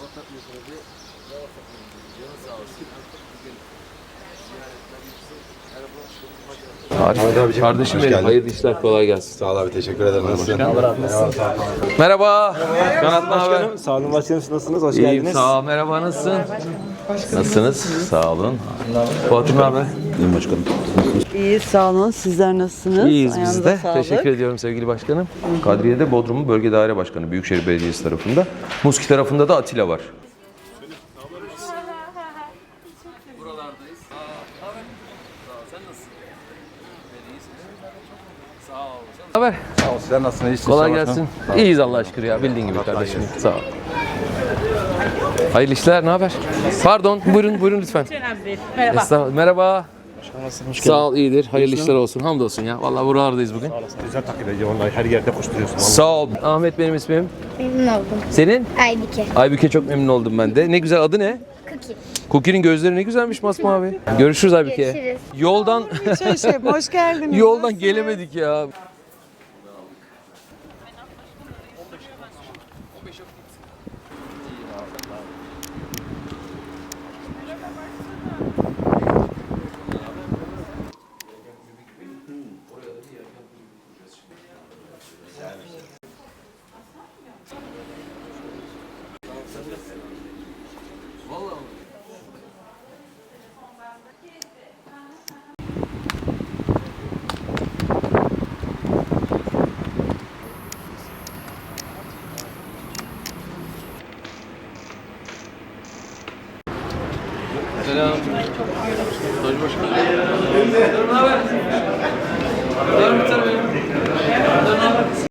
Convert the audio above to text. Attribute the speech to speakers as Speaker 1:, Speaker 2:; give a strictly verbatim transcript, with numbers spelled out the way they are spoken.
Speaker 1: takmıyorsunuz diye. Canı sağ olsun.
Speaker 2: Harika. Kardeşim benim, hayırlı işler, kolay gelsin.
Speaker 3: Sağ ol abi, teşekkür ederim. Nasılsın?
Speaker 2: Merhaba. Kanat ne haber?
Speaker 4: Başkanım, sağ olun başkanım, siz nasılsınız? Hoş
Speaker 2: İyiyim,
Speaker 4: geldiniz.
Speaker 2: sağ ol. Merhaba, nasılsın? Nasılsınız? Sağ olun. Fuat'ım ne haber?
Speaker 3: İyiyim başkanım.
Speaker 5: İyi, sağ olun. Sizler nasılsınız?
Speaker 2: İyiyiz biz
Speaker 5: Ayağınıza
Speaker 2: de.
Speaker 5: sağlık.
Speaker 2: Teşekkür ediyorum sevgili başkanım. Kadriye'de Bodrum'un Bölge Daire Başkanı, Büyükşehir Belediyesi tarafında. Muski tarafında da Atilla var. Buralardayız. Sen nasılsın? Sağ ol. Haber?
Speaker 3: Sağ ol, sizler nasılsınız? İyisiniz?
Speaker 2: Kolay gelsin. İyiyiz Allah'a şükür ya. Bildiğin gibi kardeşim. Sağ ol. Hayırlı işler. Ne haber? Pardon. Buyurun, buyurun lütfen.
Speaker 6: Merhaba.
Speaker 2: Estağfurullah. Merhaba. Sağ ol, iyidir. Hayırlı işler olsun. Hamdolsun ya. Vallahi buralardayız bugün.
Speaker 4: Güzel takip ediyor, vallahi her yerde koşturuyorsun.
Speaker 2: Sağ ol. Ahmet benim ismim.
Speaker 7: Memnun oldum.
Speaker 2: Senin?
Speaker 7: Aybike.
Speaker 2: Aybüke, çok memnun oldum ben de. Ne güzel, adı ne?
Speaker 7: Cookie.
Speaker 2: Cookie'nin gözleri ne güzelmiş masmavi. Görüşürüz Aybüke.
Speaker 7: Görüşürüz.
Speaker 2: Yoldan
Speaker 5: Şey, şey, hoş geldiniz.
Speaker 2: yoldan gelemedik ya.